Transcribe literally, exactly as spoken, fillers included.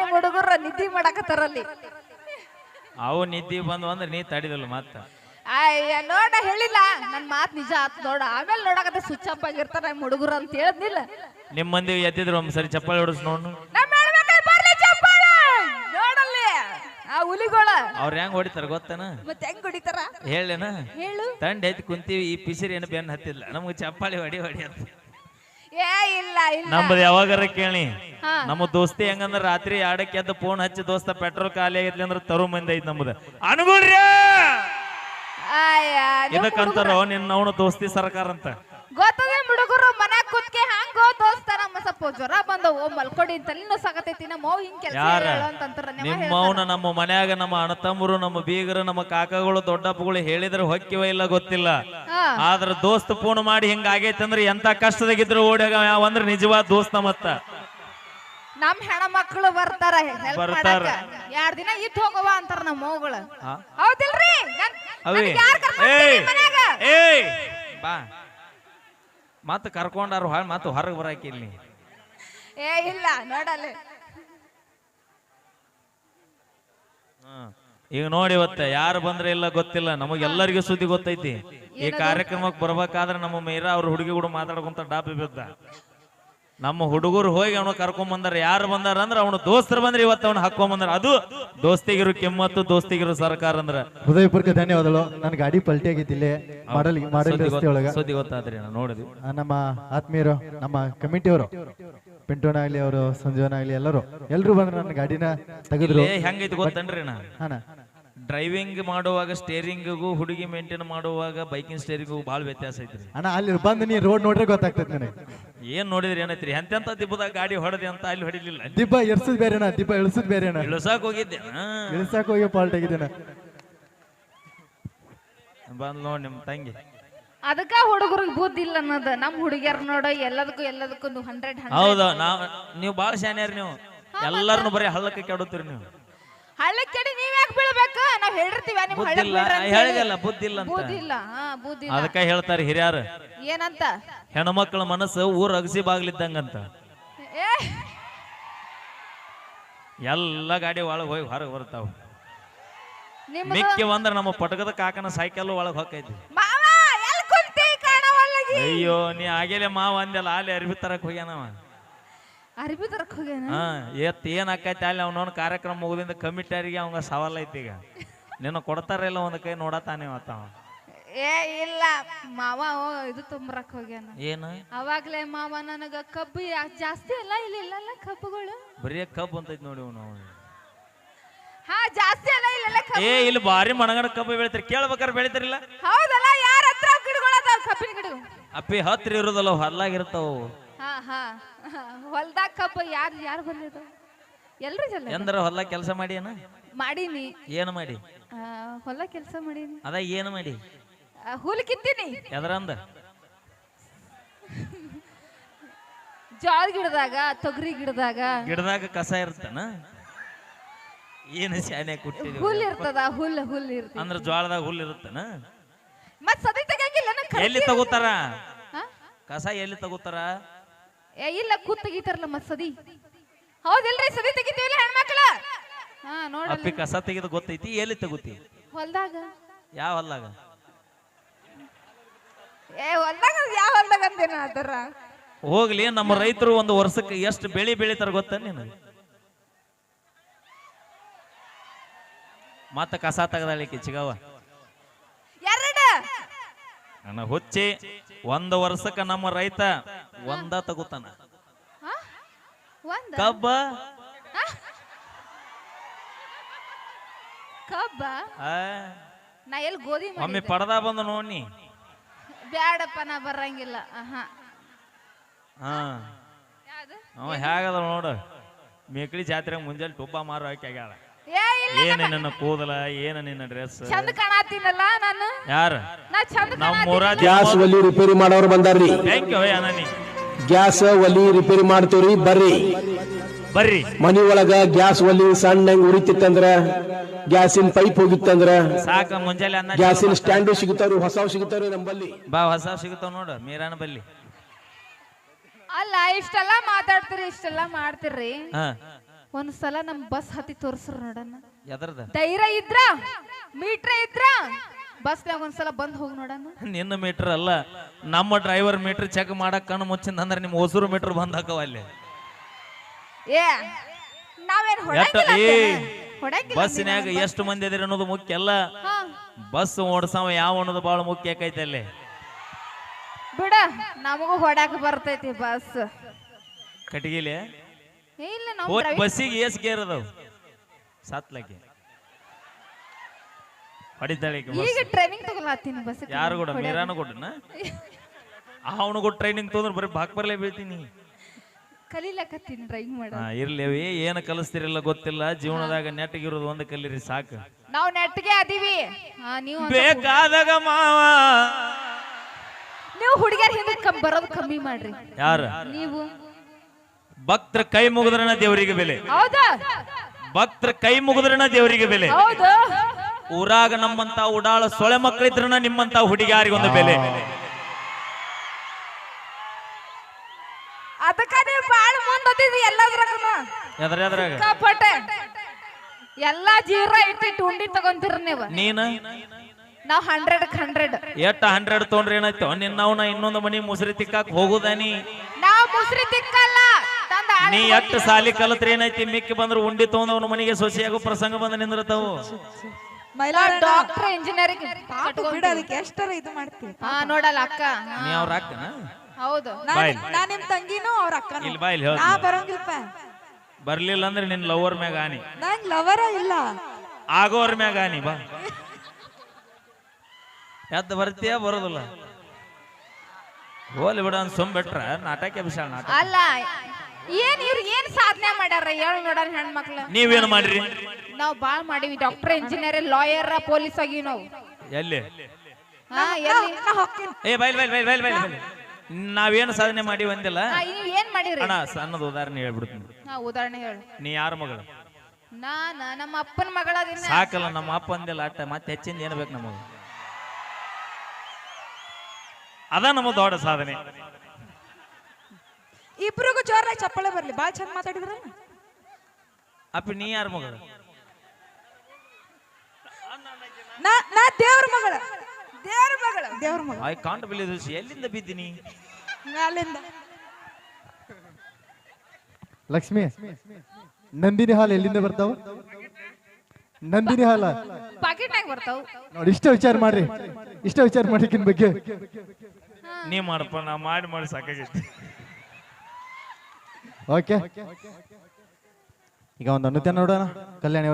ನಿಮ್ ಹುಡುಗರ ನಿದ್ದಿ ಮಾಡಕತ್ತಾರಲ್ಲಿ. ಅವು ನಿದ್ದಿ ಬಂದು ಅಂದ್ರೆ ನೀ ತಡಿದಲ್ಲ ಮತ್ತ. ಅಯ್ಯ ನೋಡ ಹೇಳಿಲ್ಲ ನನ್ ಮಾತ್ ನಿಜ ಆತ್ ನೋಡ. ಆಮೇಲೆ ನೋಡಕತ್ತೆ ಸ್ವಿಚ್ ಅಪ್ ಆಗಿರ್ತಾರ ನಿಮ್ ಹುಡುಗರು ಅಂತ ಹೇಳದ್ನಿಲ್ಲ. ನಿಮ್ ಮಂದಿ ಎದ್ದಿದ್ರು ಒಂದ್ಸರಿ ಚಪ್ಪಾಳೆ ಹೊಡಿಸ್ ನೋಡು. ನೋಡಲ್ಲಿ ಆ ಹುಲಿಗೋಳ ಅವ್ರ ಹೆಂಗ್ ಹೊಡಿತಾರ ಗೊತ್ತನ? ಮತ್ತೆ ಹೆಂಗ್ ಹೊಡಿತಾರ ಹೇಳೇನ? ಹೇಳು. ತಂಡ ಐತಿ ಕುಂತೀವಿ, ಈ ಪಿಸಿರಿ ಏನು ಬೆನ್ನ ಹತ್ತಿಲ್ಲ, ನಮ್ಗೆ ಚಪ್ಪಾಳಿ ಹೊಡಿ ಹೊಡಿ ಅಂತ. ಏ ಇಲ್ಲ ಇಲ್ಲ ನಮ್ದು ಯಾವಾಗಾರ ಕೇಳಿ. ನಮ್ಮ ದೋಸ್ತಿ ಹೆಂಗಂದ್ರ ರಾತ್ರಿ ಆಡಕ್ಕೆ ಎದ್ದು ಫೋನ್ ಹಚ್ಚಿ ದೋಸ್ತ ಪೆಟ್ರೋಲ್ ಖಾಲಿ ಆಗೈತ್ಲಿ ಅಂದ್ರೆ ತರು ಮಂದಿ ಐತಿ ನಮ್ದು. ಅನುಗುಳ್ರಿ ಇದಕ್ಕಂತಾರ ನಿನ್ನ ಅವನು ದೋಸ್ತಿ ಸರ್ಕಾರ ಅಂತ. ಗೊತ್ತದೆ ಹುಡುಗರು ಮನ್ಯಾಗ ಕುತ್ಕೆ ಹಂಗೋ ದೋಸ್ತ ನಮ್ಮ ಸ್ವಲ್ಪ ಜ್ವರ ಬಂದವು ಮಲ್ಕೊಡಿ ತಲೆನೋ ಸಾಕತೈತಿ ನಮ್ಮ ಮೌ ಹಿಂಗ್ ಕೆಲಸ ಅಂತಂತಾರ. ನಿಮ್ಮ ಮೌನ ನಮ್ಮ ಮನ್ಯಾಗ ನಮ್ಮ ಅಣ್ಣ ತಮ್ಮರು ನಮ್ಮ ಬೀಗರು ನಮ್ಮ ಕಾಕಗಳು ದೊಡ್ಡಪ್ಪಗಳು ಹೇಳಿದ್ರೆ ಹೊಕ್ಕಿವ ಇಲ್ಲ ಗೊತ್ತಿಲ್ಲ. ಆದ್ರ ದೋಸ್ತ್ ಫೋನ್ ಮಾಡಿ ಹಿಂಗ ಆಗೈತಿ ಅಂದ್ರೆ ಎಂತ ಕಷ್ಟದಾಗಿದ್ರು ಓಡ್ಯಾಗ ಅಂದ್ರ ನಿಜವಾದ ದೋಸ್ತ. ಮತ್ತ ನಮ್ ಹೆಣ ಮಕ್ಕಳು ಬರ್ತಾರ ಬರ್ತಾರ ಎರಡ್ ದಿನ ಇದ್ ಹೋಗವ ಅಂತಾರ ನಮ್ಮ ಮೌಗಳು. ಹೌದಿಲ್ರಿ? ಬಾ ಮತ್ತ ಕರ್ಕೊಂಡಾರು ಹಾಳ್ ಮತ್ತ ಹೊರಗೆ ಬರಾಕಿಲ್ಲಿ. ಏ ಇಲ್ಲ ನೋಡಲ್ಲ. ಈಗ ನೋಡಿ ಇವತ್ತ ಯಾರು ಬಂದ್ರೆ ಇಲ್ಲ ಗೊತ್ತಿಲ್ಲ, ನಮಗೆಲ್ಲರಿಗೂ ಸುದ್ದಿ ಗೊತ್ತೈತಿ. ಈ ಕಾರ್ಯಕ್ರಮಕ್ಕೆ ಬರ್ಬೇಕಾದ್ರೆ ನಮ್ಮ ಮೀರಾ ಅವ್ರ ಹುಡುಗಿ ಕೂಡ ಮಾತಾಡ್ಕೊಂತ ಡಾಬಿ ಬಿದ್ದ. ನಮ್ಮ ಹುಡುಗರು ಹೋಗಿ ಅವನು ಕರ್ಕೊಂಡ್ ಬಂದಾರ. ಯಾರು ಬಂದಾರ ಅಂದ್ರ ಅವನು ದೋಸ್ತರು ಬಂದ್ರೆ ಇವತ್ತು ಅವನು ಹಾಕೊಂಡ್ ಬಂದಾರ. ಅದು ದೋಸ್ತಿಗಿರು ಕೆಮ್ಮತ್ತು, ದೋಸ್ತಿಗಿರು ಸರ್ಕಾರ ಅಂದ್ರ. ಹೃದಯಪೂರ್ವಕ ಧನ್ಯವಾದಗಳು. ನನ್ ಗಾಡಿ ಪಲ್ಟಿ ಆಗಿತ್ತು ಇಲ್ಲೇ ಮಾಡಲ್ ಮಾಡಲ್ ರಸ್ತೆ ಒಳಗ. ಸುದ್ದಿ ಗೊತ್ತಾದ್ರಿ ನೋಡಿದ್ವಿ. ನಮ್ಮ ಆತ್ಮೀಯರು, ನಮ್ಮ ಕಮಿಟಿಯವರು, ಪಿಂಟೋನ ಆಗ್ಲಿ, ಅವರು ಸಂಜೀವನ ಆಗ್ಲಿ, ಎಲ್ಲರೂ ಎಲ್ರು ಬಂದ್ರು ನನ್ನ ಗಾಡಿನ ತೆಗೆದ್ರು. ಹೆಂಗೈತಿ ಗೊತ್ತನ್ರಿ ನಾ ಡ್ರೈವಿಂಗ್ ಮಾಡುವಾಗ ಸ್ಟೇರಿಂಗಿಗೂ ಹುಡುಗಿ ಮೇಂಟೈನ್ ಮಾಡುವಾಗ ಬೈಕಿಂಗ್ ಸ್ಟೇರಿಂಗಿಗೂ ಬಹಳ ವ್ಯತ್ಯಾಸ ಐತ್ರಿ ಅಣ್ಣ. ಅಲ್ಲಿ ಬಂದು ನೀ ರೋಡ್ ನೋಡ್ರೆ ಗೊತ್ತಾಗ್ತದೆ ನನಗೆ. ಏನ್ ನೋಡಿದ್ರಿ ಏನೈತ್ರಿ? ಎಂತೆಂತ ದಿಬ್ಬದಾಗ ಗಾಡಿ ಹೊಡೆದಿ ಅಂತ ಅಲ್ಲಿ ಹೊಡಿಲಿಲ್ಲ. ದಿಬ್ಬ ಎರ್ಸದ್ ಬೇರೆನಾ, ದಿಬ್ಬ ಇಳಿಸದ್ ಬೇರೆನಾ? ಇಳಿಸಾಕ್ ಹೋಗಿದ್ದೆ, ಇಳಿಸಾಕ್ ಹೋಗಿ ಪಾಲ್ಟ್ ಆಗಿದ್ದೇನೆ. ಬಂದ್ ನೋಡ್ ನಿಮ್ ತಂಗಿ. ಅದಕ್ಕ ಹುಡುಗರಿಗೆ ಬುದ್ಧಿ ಇಲ್ಲ ಅನ್ನೋದು. ನಮ್ ಹುಡುಗಿಯರ್ ನೋಡ ಎಲ್ಲದಕ್ಕೂ ಎಲ್ಲದಕ್ಕೂ ಹಂಡ್ರೆಡ್ ಹೌದಾ? ನಾವ್ ನೀವು ಬಾಳ ಶಾನ್ಯಾರ. ನೀವು ಎಲ್ಲಾರನು ಬರೀ ಹಳ್ಳಕ್ಕೆ ಕೆಡುತ್ತೀರಿ. ನೀವು ಹಳ್ಳಕ್ಕೆ ಕೆಡಿ ನೀವ್ ಯಾಕೆ ಬೀಳ್ಬೇಕು? ನಾವ್ ಹೇಳಿರ್ತೀವಿ ನಿಮ್ ಹೇಳಿದಲ್ಲ ಬುದ್ಧಿ ಇಲ್ಲ ಬುದ್ಧಿ ಇಲ್ಲ. ಹಾ ಬುದ್ಧಿ ಇಲ್ಲ. ಅದಕ್ಕ ಹೇಳ್ತಾರೆ ಹಿರಿಯಾರು ಏನಂತ? ಹೆಣ್ಮಕ್ಳ ಮನಸ್ಸು ಊರ್ ಅಗಸಿ ಬಾಗ್ಲಿದ್ದಂಗಂತ. ಎಲ್ಲ ಗಾಡಿ ಒಳಗ್ ಹೋಗಿ ಹೊರಗೆ ಬರ್ತಾವ. ಮಿಕ್ಕಿ ಒಂದ್ರ ನಮ್ಮ ಪಟಕದ ಕಾಕನ ಸೈಕಲ್ ಒಳಗ್ ಹೊಕ್ಕೈತಿ. ಅಯ್ಯೋ ನೀ ಆಗೇಲೆ ಮಾವ ಅಂದೆಲ್ಲ ಅಲ್ಲಿ ಅರ್ಬಿ ತರಕ್ ಹೋಗ್ಯಾನವ. ಅರ್ಬಿ ತರಕ್ ಹೋಗ್ಯಾನ? ಹಾ ಎತ್ ಏನ್ ಆಕೈತಿ ಅಲ್ಲಿ ಅವನವನ್ ಕಾರ್ಯಕ್ರಮ ಮುಗಿದಿಂದ ಕಮಿಟಿಯರಿಗೆ ಅವಂಗ ಸವಾಲ್ ಐತಿ. ಈಗ ನಿನ್ನ ಕೊಡ್ತಾರ ಇಲ್ಲ ಒಂದ್ ಕೈ ನೋಡತಾನೆ ಮತ್ತ. ಏ ಇಲ್ಲ ಮಾವ ಇದು ತುಂಬರಕ್ ಹೋಗ್ಯಾನ. ಏನು? ಅವಾಗ್ಲೇ ಮಾವ ನನಗ ಕಬ್ಬು ಜಾಸ್ತಿ ಅಲ್ಲ ಇಲ್ಲಿ ಇಲ್ಲ ಕಬ್ಬುಗಳು ಬರೀ ಕಬ್ಬು ಅಂತೈತಿ ನೋಡಿ ಅವನು. ಹಾ ಜಾಸ್ತಿ ಅಲ್ಲ ಇಲ್ಲ. ಏ ಇಲ್ಲಿ ಬಾರಿ ಮಣಗಣ ಕಬ್ಬು ಬೆಳಿತಾರ, ಕೇಳ್ಬೇಕಾರ ಬೆಳಿತಾರಿಲ್ಲ? ಹೌದಲ್ಲ, ಯಾರ ಹತ್ರ ಗಿಡಗಳದಾವ ಕಬ್ಬಿನ ಗಿಡ? ಅಪ್ಪಿ ಹತ್ರ ಇರೋದಲ್ಲ, ಹೊಲ್ಲಾಗಿರ್ತಾವ. ಹಾ ಹಾ ಹೊಲ್ದಾಗ ಕಬ್ಬು ಯಾರು ಯಾರು ಬಂದಿದ? ಎಲ್ರು ಜನ ಎಂದ್ರ ಹೊಲ ಕೆಲಸ ಮಾಡಿ ಏನ ಮಾಡೀನಿ. ಏನು ಮಾಡಿ? ಹೊಲ ಕೆಲಸ ಮಾಡೀನಿ. ಅದ ಏನು ಮಾಡಿ? ಹುಲ್ ಕಿತ್ತೀನಿ. ಎದರಂದ? ಜೋಳ ಗಿಡದಾಗ, ತೊಗರಿ ಗಿಡದಾಗ. ಗಿಡದಾಗ ಕಸ ಇರ್ತಾನ? ಏನು ಶಾನೆ ಕುಟ್ಟಿದ್ವಿ. ಹುಲ್ ಇರ್ತದ, ಹುಲ್ ಹುಲ್ ಇರ್ತದ. ಅಂದ್ರ ಜೋಳದಾಗ ಹುಲ್ ಇರುತ್ತನ? ಮತ್ ಸದಿ ತೆಗಿಯಂಗಿಲ್ಲ. ಎಲ್ಲಿ ತಗೋತಾರ ಕಸ? ಎಲ್ಲಿ ತಗೋತಾರ? ಏ ಇಲ್ಲ ಕೂತ್ ತೆಗಿತಾರಲ್ಲ ಮತ್ ಸದಿ. ಹೌದಿಲ್ರಿ? ಸದಿ ತೆಗಿತೀವಿಲ್ಲ ಹೆಣ್ಮಕ್ಳ. ಹಾ ನೋಡ. ಅಪ್ಪಿ ಕಸ ತೆಗಿದ ಗೊತ್ತೈತಿ, ಎಲ್ಲಿ ತಗೋತಿ? ಹೊಲ್ದಾಗ. ಯಾವ ಹೊಲ್ದಾಗ? ಏ ಹೊಲ್ದಾಗ ಯಾವ ಹೊಲ್ದಾಗ ಅಂತೇನ ಅದರ. ಹೋಗ್ಲಿ, ನಮ್ಮ ರೈತರು ಒಂದು ವರ್ಷಕ್ಕೆ ಎಷ್ಟು ಬೆಳಿ ಬೆಳಿತಾರ ಗೊತ್ತ ನೀನು? ಮತ್ತ ಕಸ ತೆಗದಾಳಿಕೆ ಚಿಗವ ಎರಡು ನನ್ನ ಹುಚ್ಚಿ. ಒಂದು ವರ್ಷಕ್ಕ ನಮ್ಮ ರೈತ ಒಂದ ತಗೋತಾನ ಕಬ್ಬ. ಕಬ್ಬ ನಾ ಎಲ್ಲಿ ಗೋಧಿ ಒಮ್ಮೆ ಪಡದ ಬಂದ ನೋಡಿ. ಬ್ಯಾಡಪ್ಪ ನಾ ಬರಂಗಿಲ್ಲ. ಹಾ ಅವ ಹೇಗದ ನೋಡು. ಮೇಕಳಿ ಜಾತ್ರೆ ಮುಂಜಾನೆ ಟುಬ್ಬ ಮಾರು ಹಾಕಿ ಆಗ್ಯಾಳ. ಏನ ನಿನ್ನ ಕೂದಲ, ಏನ ನಿನ್ನ ಡ್ರೆಸ್ ಚಂದ ಕಾಣತೀನಲ್ಲ ನಾನು. ಯಾರ? ನಾ ಚಂದ ನಮ್ಮೂರ ಗ್ಯಾಸ್ ಒಲಿ ರಿಪೇರಿ ಮಾಡೋರು ಬಂದಾರ್ರಿ. ಥ್ಯಾಂಕ್ ಯು ಅನನಿ. ಗ್ಯಾಸ್ ಒಲಿ ರಿಪೇರಿ ಮಾಡ್ತೀವ್ರಿ, ಬರ್ರಿ ಬರ್ರಿ. ಮನಿ ಒಳಗ ಗ್ಯಾಸ್ ಒಲಿ ಸಣ್ಣ ಉರಿತಿತ್ತಂದ್ರ, ಗ್ಯಾಸಿನ ಪೈಪ್ ಹೋಗಿತ್ತಂದ್ರ ಸಾಕ ಮುಂಜಾನೆ ಅನ್ನ ಗ್ಯಾಸಿನ ಸ್ಟ್ಯಾಂಡು ಸಿಗುತ್ತಾರು, ಹೊಸ ಸಿಗುತ್ತಾರು ನಂಬಲ್ಲಿ. ಬಾ ಹೊಸ ಸಿಗುತ್ತಾವ ನೋಡು ಮೀರಾನ ಬಲ್ಲಿ. ಅಲ್ಲ ಇಷ್ಟೆಲ್ಲ ಮಾತಾಡ್ತೀರಿ, ಇಷ್ಟೆಲ್ಲ ಮಾಡ್ತೀರಿ. ಒಂದ್ಸಲ ನಮ್ ಬಸ್ ಹತ್ತಿ ತೋರ್ಸ್ರು ನೋಡಣ. ಎದರ್ದ ಧೈರ್ಯ ಇದ್ರ ಮೀಟ್ರ ಇದ್ರ ಬಸ್ನ್ಯಾಗ ಒಂದ್ಸಲ ಬಂದ್ ಹೋಗಿ ನೋಡಣ. ನಿನ್ನ ಮೀಟರ್ ಅಲ್ಲ, ನಮ್ಮ ಡ್ರೈವರ್ ಮೀಟರ್ ಚೆಕ್ ಮಾಡಕ್ ಕಣ್ಣು ಮುಚ್ಚಿಂದ ಅಂದ್ರೆ ನಿಮ್ ಹೊಸೂರು ಮೀಟರ್ ಬಂದ್ ಹಾಕವ ಅಲ್ಲಿ. ಏ ನಾವೇನ್ ಎಷ್ಟ ಹೊಡಂಗಿಲ್ಲ ಏ ಅಂತೇನ? ಹೊಡಂಗಿಲ್ಲ ಬಸ್ನ್ಯಾಗ ಅಂತೀನ? ಎಷ್ಟು ಮಂದಿ ಅದಿರಿ ಅನ್ನೋದು ಮುಖ್ಯ ಅಲ್ಲ, ಹಾ, ಬಸ್ ಓಡ್ಸವ ಯಾವ ಅನ್ನೋದು ಬಹಳ ಮುಖ್ಯ ಆಕೈತೆ ಅಲ್ಲಿ. ಬಿಡ ನಮಗೂ ಹೊಡಾಕ ಬರ್ತೈತಿ ಬಸ್. ಕಟಗಿಲೆ ಏ, ಇಲ್ಲ ನಾವು ಹೋಗಿ driving- ಬಸ್ಸಿಗೆ ಏಸ್ ಗೇರ್ ಅದಾವ ಸಾತ್ಲಕ್ಕೆ ಹೊಡಿತಾಳೆ ಈಕಿ ಬಸ್. ಈಗ ಟ್ರೈನಿಂಗ್ ತಗೊಳತ್ತೀನಿ ಬಸ್. ಯಾರು ಕೂಡ ಮೀರಾನು ಕೊಟ್ಟನ ಅವನು ಕೂಡ ಟ್ರೈನಿಂಗ್ ತೊಂದ್ರೆ ಬರೀ ಬಾಕ್ ಬರ್ಲೇ ಬೀಳ್ತೀನಿ. ಕಲೀಲಕತ್ತೀನಿ ಡ್ರೈವಿಂಗ್ ಮಾಡ. ಹಾ ಇರ್ಲೇವಿ, ಏನು ಕಲಿಸ್ತಿರಿಲ್ಲ ಗೊತ್ತಿಲ್ಲ, ಜೀವನದಾಗ ನೆಟ್ಟಗಿರೋದು ಒಂದು ಕಲೀರಿ ಸಾಕು. ನಾವು ನೆಟ್ಗೆ ಅದೀವಿ. ಹಾ, ನೀವು ಒಂದ್ ಸ್ವಲ್ಪ- ಬೇಕಾದಾಗ ಮಾವ ನೀವು ಹುಡುಗಿಯರ್ ಹಿಂದೆ ಕಮ್ ಬರೋದು ಕಮ್ಮಿ ಮಾಡ್ರಿ. ಯಾರ ನೀವು ಭಕ್ತರ ಕೈ ಮುಗಿದ್ರನ ದೇವರಿಗೆ ಬೆಲೆ, ಹೌದಾ? ಭಕ್ತರ ಕೈ ಮುಗಿದ್ರನ ದೇವರಿಗೆ ಬೆಲೆ. ಹೌದು. ಊರಾಗ ನಮ್ಮಂತ ಉಡಾಳ ಸೊಳೆ ಮಕ್ಕಳಿದ್ರನ ನಿಮ್ಮಂತ ಹುಡುಗಿಯಾರಿಗೊಂದು ಬೆಲೆ. ಅದಕ್ಕ ನೀವು ಬಾಳ ಮುಂದಿದ್ರಿ ಎಲ್ಲದ್ರಾಗನು. ಎದ್ರ ಎದ್ರಾಗ ಕಾಪಟ್ಟೆ ಎಲ್ಲಾ ಜೀರ ಇಟ್ಟಿಟ್ಟು ಉಂಡಿ ತಗೊಂತೀರ ನೀವು. ನೀನ ನಾವ್ ಹಂಡ್ರೆಡ್ ಹಂಡ್ರೆಡ್ ಎಟ್ಟ ಹಂಡ್ರೆಡ್ ತೊಗೊಂಡ್ರೆ ಏನಾಯ್ತು ನಿನ್ನವನ ಇನ್ನೊಂದು ಮನಿ ಮುಸ್ರಿ ತಿಕ್ಕಾಕ್ ಹೋಗುದಾನಿ. ನಾವ್ ಮುಸ್ರಿ ತಿಕ್ಕಲ್ಲ ತಂದ ಆಳ್ ನೀ ಎಟ್ಟ ಸಾಲಿ ಕಲತ್ರ ಏನೈತಿ, ಮಿಕ್ಕಿ ಬಂದ್ರು ಉಂಡಿ ತಗೊಂಡವನ ಮನೆಗೆ ಸೊಸೆಯಾಗೋ ಪ್ರಸಂಗ ಬಂದ ನಿಂದಿರ್ತಾವು. ಡಾಕ್ಟರ್ ಇಂಜಿನಿಯರಿಂಗ್ ಬಿಡ ಅದಕ್ಕೆ ಎಷ್ಟರ ಇದು ಮಾಡ್ತೀವಿ. ಹಾ ನೋಡಲ್ಲ ಅಕ್ಕ. ಹಾ, ನೀ ಅವ್ರ ಅಕ್ಕನ ಹೌದು. ಬಾಯ್ ನಾ ನಿಮ್ ತಂಗಿನೂ ಅವ್ರ ಅಕ್ಕನೂ. ಇಲ್ಲಿ ಬಾಯ್ಲಿ ನಾ ಹೇಳ ಬರಂಗಿಲ್ಪ. ಬರ್ಲಿಲ್ಲ ಅಂದ್ರೆ ನಿನ್ ಲವರ್ ಮ್ಯಾಗ ಆನಿ, ನಂಗ್ ಲವರ ಇಲ್ಲ. ಆಗೋರ್ ಮ್ಯಾಗ ಆನಿ. ಬಾ ಎದ್ದು ಬರ್ತೀಯ ಬರೋದಿಲ್ಲ, ಹೋಲಿ ಬಿಡ ಅಂತ ಸುಮ್ ಬಿಟ್ರ ನಾಟಕ ವಿಶಾಲ ನಾಟಕ. ಅಲ್ಲ ಏನ್ ಇವ್ರು ಏನ್ ಸಾಧನೆ ಮಾಡ್ಯಾರ ಹೇಳ ನೋಡೋಣ ಹೆಣ್ಮಕ್ಳು. ನೀವೇನು ಮಾಡ್ರಿ? ನಾವ್ ಬಾಳ್ ಮಾಡಿವಿ. ಡಾಕ್ಟರ್ ಇಂಜಿನಿಯರ್ ಲಾಯರ್ ಪೊಲೀಸ್ ಆಗಿವಿ ನಾವು. ಎಲ್ಲಿ ಹಾ ಎಲ್ಲಿ? ನಾ ಹೋಗ್ತೀನಿ. ಏ ಬೈಲ್ ಬೈಲ್ ಬೈಲ್ ಬೈಲ್ ಬೈಲ್ ಬೈಲ್ ನಾವೇನು ಸಾಧನೆ ಮಾಡಿ ಒಂದಿಲ್ಲ ಹಾ, ನೀವ್ ಏನ್ ಮಾಡಿರಿ? ಅಣ್ಣ. ಸಣ್ಣದ ಉದಾಹರಣೆ ಹೇಳ್ಬಿಡ್ತೀನಿ. ಹಾ ಉದಾಹರಣೆ ಹೇಳು. ನೀ ಯಾರ ಮಗಳು? ನಾನ ನಮ್ಮ ಅಪ್ಪನ ಮಗಳದಿನ. ಸಾಕಲ್ಲ, ನಮ್ಮ ಅಪ್ಪ ಅಂದಿಲ್ಲ ಅಟ್ಟ, ಮತ್ತೆ ಹೆಚ್ಚಿಂದ ಏನ್ ಬೇಕು ನಮಗ? ಅದ ನಮ್ಮ ದೊಡ್ಡ ಸಾಧನೆ. ಇಬ್ರಿಗೂ ಜೋರಾಗಿ ಚಪ್ಪಳೆ ಬರ್ಲಿ. ಬಾಳ್ ಚಂದ ಮಾತಾಡಿದ್ರ. ಅಪ್ಪ ನೀ ಯಾರ ಮಗಳು? ನಾ ನಾ ದೇವ್ರ ಮಗಳ. ದೇವ್ರ ಮಗಳ. ದೇವ್ರ ಮಗಳ. I can't believe this. ಎಲ್ಲಿಂದ ಬಿದ್ದೀನಿ? ಮ್ಯಾಲಿಂದ. ಲಕ್ಷ್ಮಿ, ನಂದಿನಿ ಹಾಲು ಎಲ್ಲಿಂದ ಬರ್ತಾವ? ನಂದಿನಿ ಹಾಲ ಪಾಕೆಟ್ನಾಗ ಬರ್ತಾವ ನೋಡಿ. ಇಷ್ಟ ವಿಚಾರ ಮಾಡ್ರಿ, ಇಷ್ಟ ವಿಚಾರ ಮಾಡಿಕಿನ್ ಬಗ್ಗೆ. ನೀ ಮಾಡಪ್ಪ, ನಾ ಮಾಡಿ ಮಾಡಿ ಸಾಕಾಗೈತಿ. ಓಕೆ, ಈಗ ಒಂದು ಅನುತ್ಯ ನೋಡೋಣ. ಕಲ್ಯಾಣಿ